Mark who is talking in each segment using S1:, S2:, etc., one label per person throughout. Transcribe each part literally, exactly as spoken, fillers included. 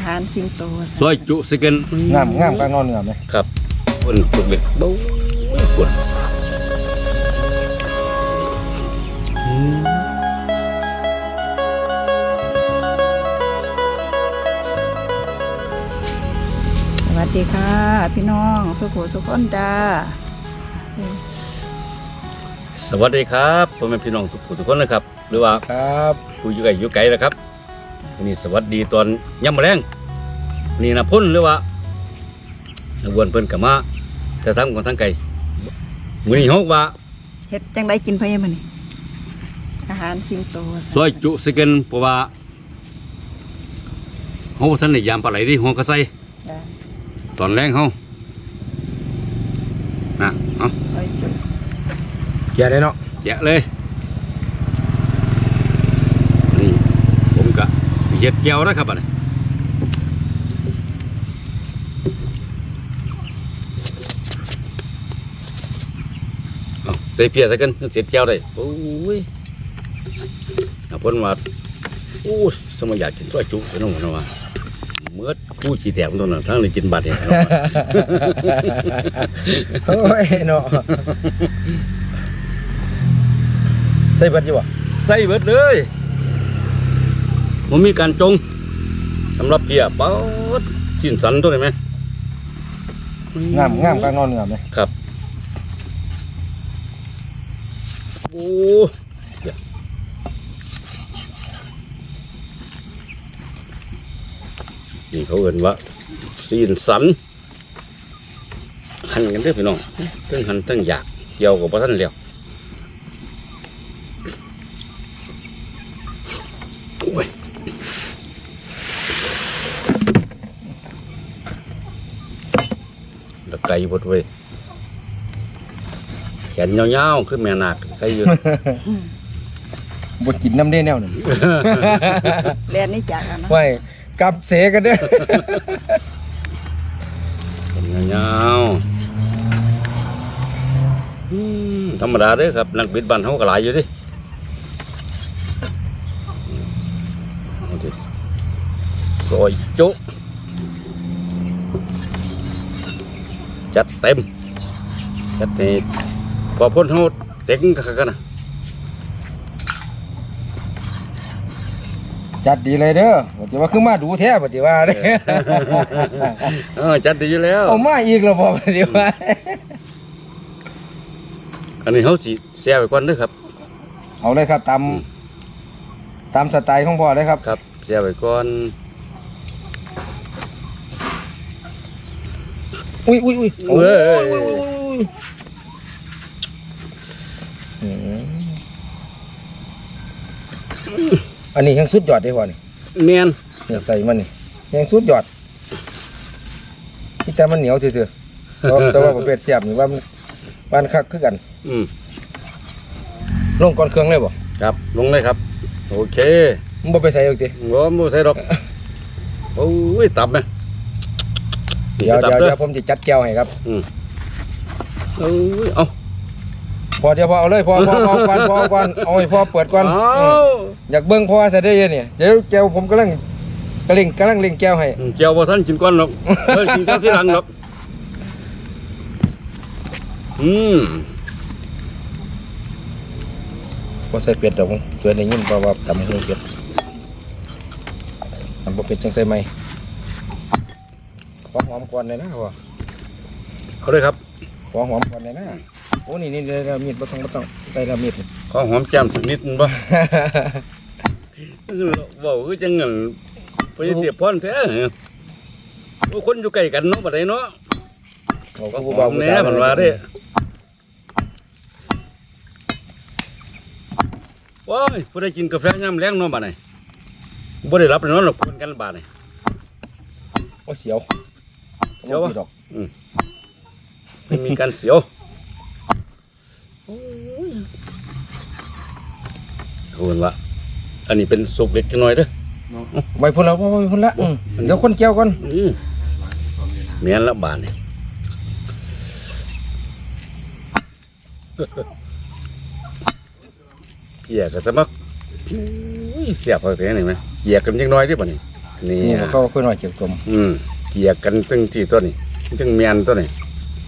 S1: หารสิงโต
S2: ซอยจุสิกัน
S3: งามงามกลางนอนเนื้อไหม
S2: ครับคนจุกเล็กเบ้าปวด
S1: สวัสดีค่ะพี่น้องสุขุสุขคนจ้า
S2: สวัสดีครับพ่อแม่พี่น้องทุกทุกคนนะครับหรือว่า
S3: ครับ
S2: ผู้อยู่ไกลอยู่ไกลนะครับวันนี้สวัสดีตอนย่ำแรงนี่นะพุ่นหรือว่าวนเพิ่นกับมาแต่ทั้งคนทั้งไกลมื้อนี้ฮกว่า
S1: เฮ็ดจังไดกินเพิ่นมื้อนี้อาหารสิงโต
S2: ซอยจุสิกันเพราะว่าเฮาท่านได้ยามปลาไหลดิหัวกระไซตอนแรงเฮานะเอา
S3: แกะได้เนาะ
S2: แกะเลยนี่ผมก็เฮ็ดแก้วนะครับอันนี้เอาใส่เพียใส่กันเสร็จแก้วได้โอ้ยเอาพ้นมาโอ้ยสมัยอยากกินซอยจุเสียน้องมันว่าเมื่อผู้ขี้แตกมันตรงนั้นทั้งเลยกินบัดเนี่ย
S3: โอ้ยเนาะใส่เบิดอยู่บ่
S2: ใส่เบิดเลยมันมีการจงสำหรับเพียเป้าชิ้นสันตัวนี้ไหม
S3: งามงามกลางนอนเนื้อไหม
S2: ครับโอ้นี่เขาเอ่นว่าซีนสันหั่นกันเด้อพี่น้องตั้งหั่นตั้งอยากเกี่ยวกับพระท่านเลี้ยวโอ้ยตะไคร้บดเว้ยแขนยาวๆขึ้นแม่นาคใครอยู่
S3: บดกินน้ำเด้แนวหนึ่ง
S1: เรียนนี่จากนะ
S3: ไว้กับเสกันเด้อ
S2: แขนยาวๆธรรมดาเด้อครับนักบิดบันเขาก็หลายอยู่ดิซอยจุจัดเต็มจัดนี่พอพ้นเขาเต็งกันนะ
S3: จัดดีเลยเด้อปฏิว่าคือมาดูแท้ปฏิว่าเด้
S2: อจัดดีอยู่แล้ว
S3: เอามาอีกแล้วพอปฏิว่า
S2: อันนี้เขาสิแซ่ไปก่อนเด้อครับ
S3: เอาเลยครับตามตามสไตล์ของพ่อเลยครับ
S2: ครับแซ่ไปก่อน
S3: อุ้ยอุ้ยอุ้ยโอ้ยอันนี้ยังสุดยอดได้พ่อนี่
S2: เนียน
S3: เนี่ยใส่มันนี่ยังสุดยอดที่แต่มันเหนียวเฉยๆแต่ว่าประเภทเสียบนี่ว่าบ้านคักคือกันลงก่อนเครื่องเลยบ่
S2: ครับลงเลยครับโอเค
S3: มึงบ่ไปใส่หรอกจิ
S2: บ่บ่ใส่หรอกโอ้ยตับไหม
S3: เดี๋ยวเดี๋ยวเดี๋ยวผมจะจัดแก้วให้ครับ
S2: อืมเอ้ยเอา
S3: พอเดี๋ยวพอเอาเลยพอพอพอก่อนพอก่อนเอาให้พอเปิดก่อนอยากเบิ้งพอจะได้ยังเนี่ยเดี๋ยวแก้วผมกำลังกำลังกำลังเล็งแก้วให้
S2: แก้วพอท่านกินก้อนหรอกเฮ้ยกินข้าวที่หลังหรอกอืม
S3: พอใส่เป็ดดอกสวยในยิ่งเพราะว่าตำหูเป็ดทำพอเป็ดจังใส่ไหมขอหอมก่อนเลยนะพ่อ
S2: เขาเลยครับ
S3: ขอหอมก่อนเลยนะโอ้นี่นี่เรามีดบ่ต้องบ่ต้องใส่เรามีด
S2: ขอหอมแจ่มสักนิดบ่บอกคือจังเงินไปเสียบพ่อนแท้คนอยู่ใกล้กันเนาะบัดนี้เนาะก็หอมแน่มันว่าเด้ว้ายผู้ใดกินกาแฟย่ำแรงเนาะบัดนี้บ่ได้รับเลยเนาะหรอกคนกันบาดนี้
S3: ว่าเสียว
S2: เสียวดอกไม่มีการเสียวคุณวะอันนี้เป็นสุกเล็กน้อยเด้อ
S3: ใบพุ่นแล้วใบพุ่นละเดี๋ยวคนเกี่ยวก่อน
S2: เมียนละบาทนี่เกี่ยกับสมัครเสียบเขาเสียหนึ่งไหมเกี่ยกันยังน้อยที่ป่ะนี่นี่
S3: นี่เขาค่อยหน่อยเก็บกลม
S2: อืมเกี่ยกันตั้งที่ตัวนี้จังเมียนตัวนี้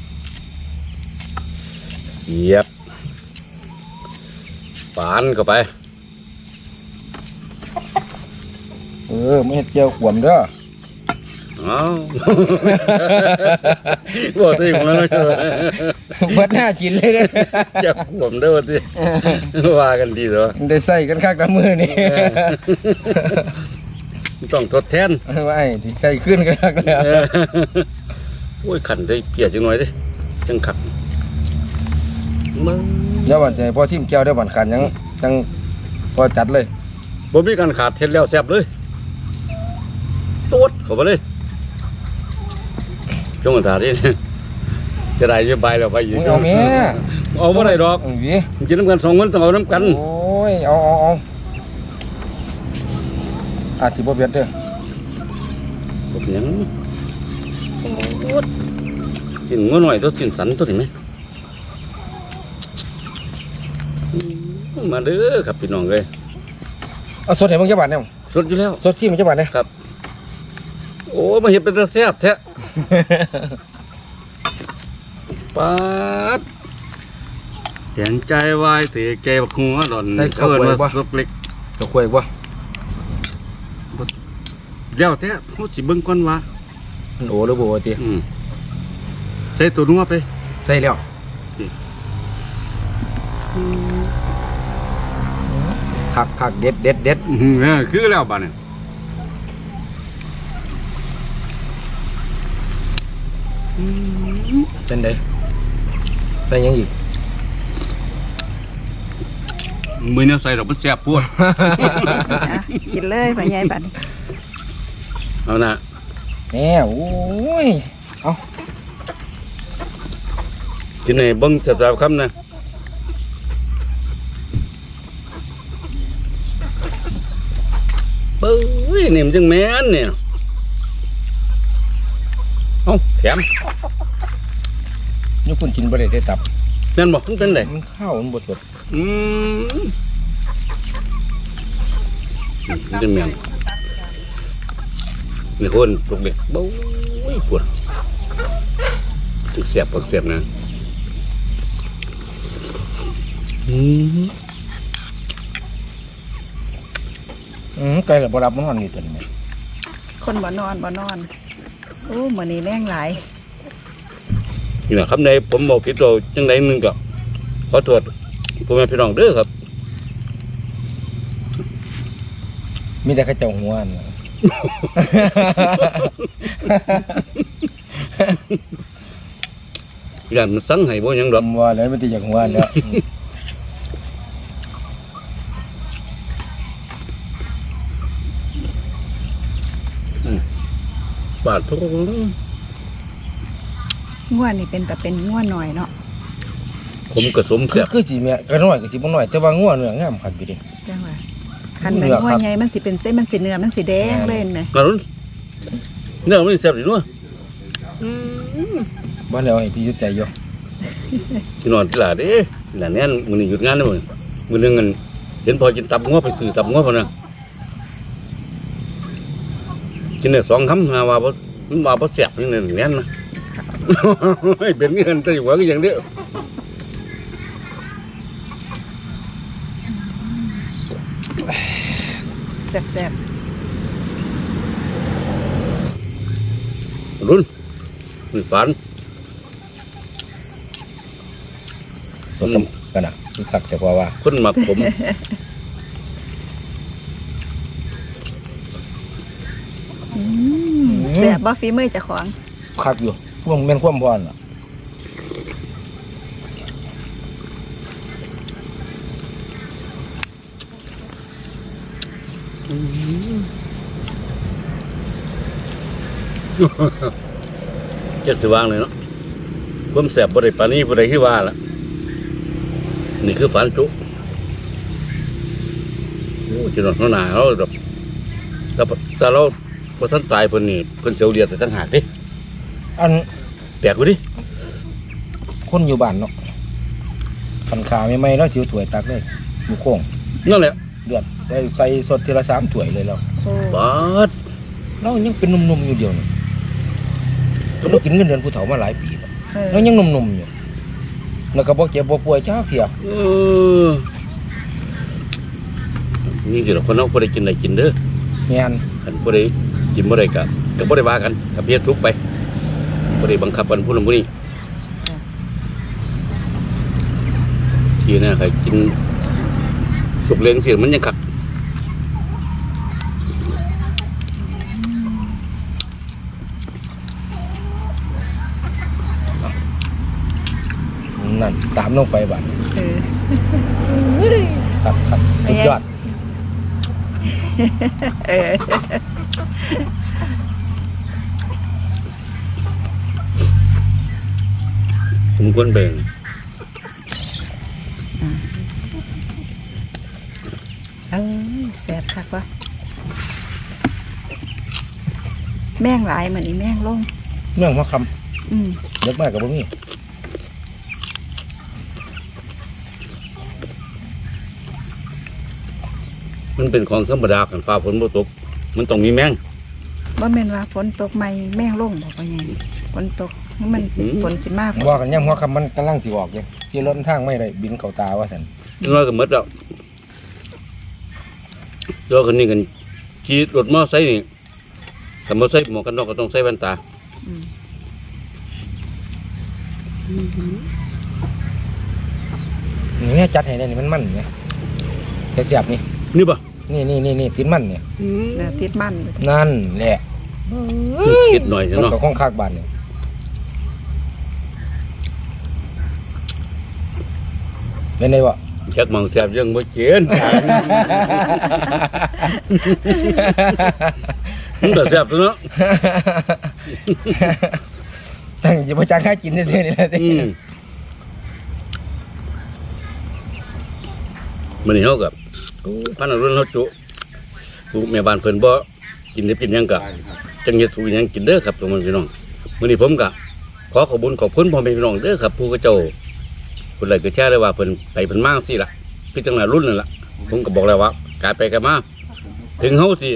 S2: เกียบปานเข้าไป
S3: เออไม่เฮ็ดเจียวขวมเด้อ
S2: อ้าวบอกตัวเองแล้วนะเจ้า
S3: เบิดหน้ากินเลยเด้อ
S2: จะขวมได้ว่าที่ว่ากันดีเหรอ
S3: ได้ใส่กันคักน้ำมือนี่
S2: ต้องทดแทน
S3: ว่าไอ้ที่ใกล้ขึ้นกันคักแล้ว
S2: โอ้ยขันได้เกลียดจังหน่อยดิจังขัดมึง
S3: เดี๋ยววันจะให้พอชิมแก้วได้บันขันยังยังพอจัดเลย
S2: บ่มีการขาดเท็ดแล้วแซ่บเลยตูดเข้าไปเลยจงตาดิจะได้จะใบแล้วไปอยู่
S3: มึงเอาแม่
S2: เอาบ่ได้ดอก
S3: เวี
S2: กินน้ำกันสองคนต้องเอาน้ำกัน
S3: โอ้ยเอาเอาเอาอาจสิบ่เบียดเด้อ
S2: บ่เป็นหยังกินงัวหน่อยตัวกินสันตัวนี้ไหมมาเด้อครับพี่น้องเลย
S3: เอาสดให้มึงจักบาทเนี่ย
S2: สดอยู่แล้ว
S3: สดชิมมึงจักบาทเนี่ย
S2: โอ้มาเห็นเป็นตาแซ่บแท้ปาดเสียงใจวายเสียใจบักหัวหล่อนเอิ้นว่าสุกเล็ก
S3: จะคุยบ่
S2: เดี๋ยวแท้เขาสิเบิ่งก่อนว่า
S3: มันโอ้หรือบ่โอ้ติ
S2: อืมใส่ตัวนัวไป
S3: ใส่แล้วคักคักเด็ดเด็ดเด็ด
S2: อื้อหือคือแล้วบ้านนี่
S3: เป็นไดใส่หยังอีก
S2: มือเนี่ยใส่ดอกมันแซ่บปวด
S1: อ่ะกินเลยพ่อใหญ่บัดนี้
S2: เอานะ
S3: แหน่โอ้ย
S2: กินให้เบิ่งแซ่บๆคำนะเบ้ยนี่มันจังแม่นเนี่ยเอาแถม
S3: นี่คุณกินบ่ได้ได้ตับ
S2: แม่นบอกมันเป็นได
S3: มันข้าวมันบ่สด
S2: อืมมันจะเมียงนี่คนปลุกเด็กโบ้ยปวดถึงเสียบปวดเสียบนะอืม
S3: อืมไก่ละบ่รับมันนอนนี่ตัวนี้แม่
S1: คนบ่นอนบ่นอนโอ้มื้อนี้แรงหลาย
S2: นี่แหละครับในผมบอกผิดเราจังไดนึงก็ขอโทษพ่อแม่พี่น้องเด้อครับ
S3: มีแต่ข้าเจ้าหัวน่ะ
S2: อย่างมันสั่งให้บ่หยังดอก
S3: ผมว่าแล้วมันสิอยากหัวแล้ว
S2: บาดทุก
S1: ง่วนนี่เป็นแต่เป็นง่วนหน่อยเนาะ
S2: ผมกระสม
S3: คื
S2: แซ่
S3: อบ คือสิแม่ก็น้อยก็สิบ่น้อยแต่ว่างัวเนื้องามคักอยู่เดิ
S1: จังว่าคันเป็นง่วนใหญ่มันสิเป็นเส้นมันสิเนื้อมันสิแดงเลยเห็นไหม
S2: กระนุนเนี่ยมันแซ่บดีเนาะ
S3: บ่แล้วให้พี่ยุดใจอยู่
S2: ที่นอนที่หลาเด้หลานแน่นมื้อนี้หยุดงานเด้อมื้อมื้อนึงกันเห็นพอกินตับงัวไปซื้อตับงัวพุ่นน่ะกินได้สองคำหาว่าบ่มันว่าบ่แซ่บนี่แน่นนะ เป็นเงินแต่หัวก็อย่างเดียว
S1: แซ่บ
S2: รุ่นนี่ฝัน
S3: สดกันน่ะคือคักแต่พอว่า
S2: คนมักผม
S1: ๆอืมแซ่บบ่ฝีมือเจ้าของ
S3: คักอยู่พวกแม่นความพรน่ะ
S2: เจ็ดสิวางเลยเนาะผมแสบบริปานนี้บริที่ว่าละนี่คือฝันจุโอ้จีนอนหนาเราแบบแต่แต่เราพอท่านตายเพิ่นนี่เพิ่นเสียวเดียดแต่ตั้งหากดิ
S3: อัน
S2: แปลกกูดิ
S3: คนอยู่บ้านเนาะคันขาใหม่ๆเนาะถือถ้วยตักเลยอยู่โค้ง
S2: นั่นแหละ
S3: เดือดใส่ใส่สดทีละสามถ้วยเลยแล้ว
S1: โอ้
S2: บาด
S3: เรายังเป็นหนุ่มๆอยู่เดียวนี่เรากินเงินเดือนผู้เฒ่ามาหลายปีแล้ว
S1: เออ
S3: เรายังหนุ่มๆอยู่แล้วก็บ่เจ็บบ่ป่วยจ้าเที่ย
S2: เออนี่สิเราคนเราบ่ได้กินได้กินเด้อ
S3: แม่น
S2: คันบ่ได้กินบ่ได้ก็ก็บ่ได้ว่ากันก็เพียทุกไปบ่ได้บังคับกันผู้นั้นผู้นี้ทีน่ะใครกินสุกเลี้ยงสิมันยังคัก
S3: นั่นตามลงไปบัด
S1: เออ
S3: ครับครับสุดยอด
S1: เออ
S2: สมควรแบ่ง
S1: เอ้ยแซ่บคักวะแม่งหลายเหมือนอีแม่งลง
S3: เรื่องหัวค
S1: อืม
S3: ำเด็กมากกับบ่มี
S2: มันเป็นของธรรมดากันฟ้าฝนบ่ตกมันต้องมีแมง
S1: ว่าแม่นว่าฝนตกใหม่แม่งลงบอกว่าไงฝนตกมัน
S2: อืม
S1: ฝนสิมาก
S3: ว่ากันย่ำหัวคำมันกำลังสิออกอยู่ที่รถทางไม่ได้บินเข้าตาว่าซั่น
S2: น้อยก็หมดแล้วแล้วคนนี้กันขี่รถมอไซค์นี่ถ้ามอไซค์หมวกกันน็อกก็ต้องใส่แว่นตา
S1: อืม
S3: นี่แม่จัดให้ได้นี่มันมันไงแต่เสียบนี่
S2: นี่ป่ะ
S3: นี่นี่นี่นี่ติดมันเนี่ย
S1: เนื้อติดมัน
S3: นั่นแหละ
S2: คิดหน่อย
S3: มัน
S2: เนาะ
S3: ก็ข้องคากบานเนี่ยเป็นไงวะ
S2: จักมังแซ่บยังบ่เจนมันก็แซ่บตัวเนาะ
S3: ตั้งจะมาจ้างค่ากินได้ซื่อๆนี่แหละติ
S2: อืมมื้อนี้เฮากับพันธุ์รุ่นเฮาจุลูกแม่บ้านเพิ่นบ่กินได้กินหยังก็จังเฮ็ดสู่หยังกินเด้อครับทุกคนพี่น้องมื้อนี้ผมก็ขอขอบคุญขอบคุณพ่อแม่พี่น้องเด้อครับผู้เขาเจ้าผู้ใดก็แชร์ได้ว่าเพิ่นไปเพิ่นมาจังซี่ล่ะคือจังหน้ารุ่นนั่นล่ะผมก็บอกแล้วว่าการไปกันมาถึงเฮาสิ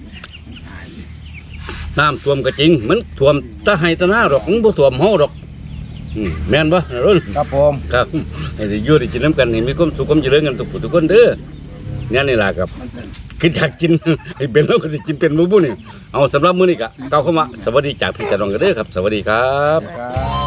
S2: น้ำท่วมก็จริงมันท่วมตะไห้ตะนาดอกมันบ่ท่วมเฮาดอกอืมแม่นบ่นะรุ่น
S3: ครับผม
S2: ครับให้ได้อยู่ได้กินน้ำกันให้มีความสุขความเจริญกันทุกผู้ทุกคนเด้อเนี่ยนี่ล่ะครับคิดอยากกิน ให้เป็นแล้วก็สิกินเป็นหมู่บุนี่เอาสำหรับมื้อนี้ก็กล่าวเข้ามาสวัสดีจากพี่จารองกันเด้อครับ สวัสดีครับ
S3: ครับ